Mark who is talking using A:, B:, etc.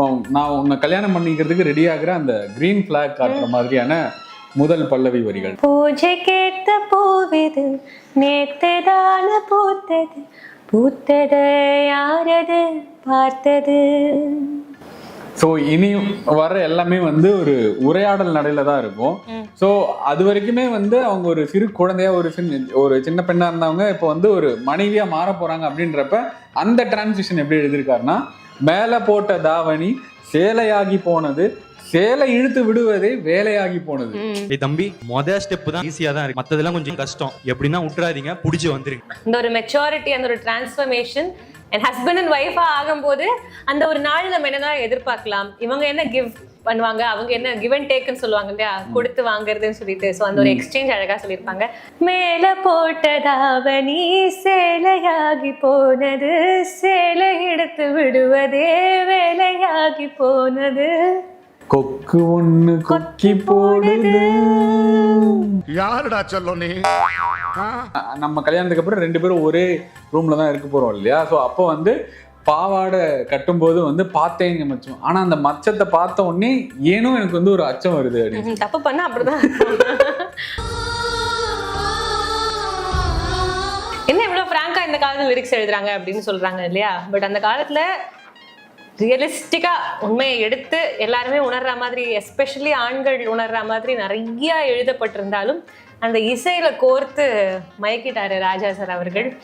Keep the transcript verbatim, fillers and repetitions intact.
A: நான் உன்னை கல்யாணம் பண்ணிக்கிறதுக்கு ரெடி ஆகுற அந்த கிரீன் பிளாக் காட்டுற மாதிரியான முதல் பல்லவி வரிகள்.
B: பூஜை கேட்ட பூவிது நேத்ததான பூத்தது பூத்தது யாரது பார்த்தது.
A: ஸோ இனி வர எல்லாமே வந்து ஒரு உரையாடல் நடையில தான் இருக்கும். ஸோ அது வரைக்குமே வந்து அவங்க ஒரு சிறு குழந்தையா ஒரு சின்ன ஒரு சின்ன பெண்ணா இருந்தவங்க இப்போ வந்து ஒரு மனைவியா மாற போறாங்க அப்படின்றப்ப அந்த டிரான்சிஷன் எப்படி எழுதியிருக்காருன்னா, மேல போட்ட தாவணி சேலையாகி போனது, சேலை இழுத்து விடுவதே வேலையாகி போனது.
C: தம்பி மொத ஸ்டெப் தான் ஈஸியா தான் இருக்கு, மத்ததெல்லாம் கொஞ்சம் கஷ்டம். எப்படின்னா விட்டுறாதீங்க, புடிச்சு வந்துருங்க.
B: இந்த ஒரு மெச்சூரிட்டி, அந்த ஒரு டிரான்ஸ்ஃபர்மேஷன் என் ஹஸ்பண்ட் அண்ட் ஒய்ஃபா ஆகும்போது அந்த ஒரு நாள் நம்ம என்னதான் எதிர்பார்க்கலாம், இவங்க என்ன கிவ் பண்ணுவாங்க, அவங்க என்ன கிவ் அண்ட் டேக்குன்னு சொல்லுவாங்க இல்லையா, கொடுத்து வாங்குறதுன்னு சொல்லிட்டு. ஸோ அந்த ஒரு எக்ஸ்சேஞ்ச் அழகா சொல்லியிருப்பாங்க. மேல போட்டதாவணி சேலையாகி போனது, சேலை எடுத்து விடுவதே வேலையாகி போனது,
A: கொக்கு ஒண்ணு கொக்கி போடுது.
D: யாருடா சொல்ல நீ?
A: நம்ம கல்யாணத்துக்கு அப்புறம் ரெண்டு பேரும் ஒரே ரூம்ல தான் இருக்க போறோம் இல்லையா. ஸோ அப்போ வந்து பாவாடை கட்டும்போது வந்து பார்த்தேங்க மச்சம், ஆனா அந்த மச்சத்தை பார்த்த உடனே ஏனோ எனக்கு வந்து ஒரு அச்சம் வருது அப்படின்னு.
B: தப்பு பண்ண அப்படிதான். என்ன இவ்வளவு பிராங்கா இந்த காலத்துல லிரிக்ஸ் எழுதுறாங்க அப்படின்னு சொல்றாங்க இல்லையா. பட் அந்த காலத்துல ரியலிஸ்டிக்கா உண்மையை எடுத்து எல்லாருமே உணர்ற மாதிரி, எஸ்பெஷலி ஆண்கள் உணர்ற மாதிரி நிறைய எழுதப்பட்டிருந்தாலும் அந்த இசையில கோர்த்து மயக்கிட்டாரு ராஜா சார் அவர்கள்.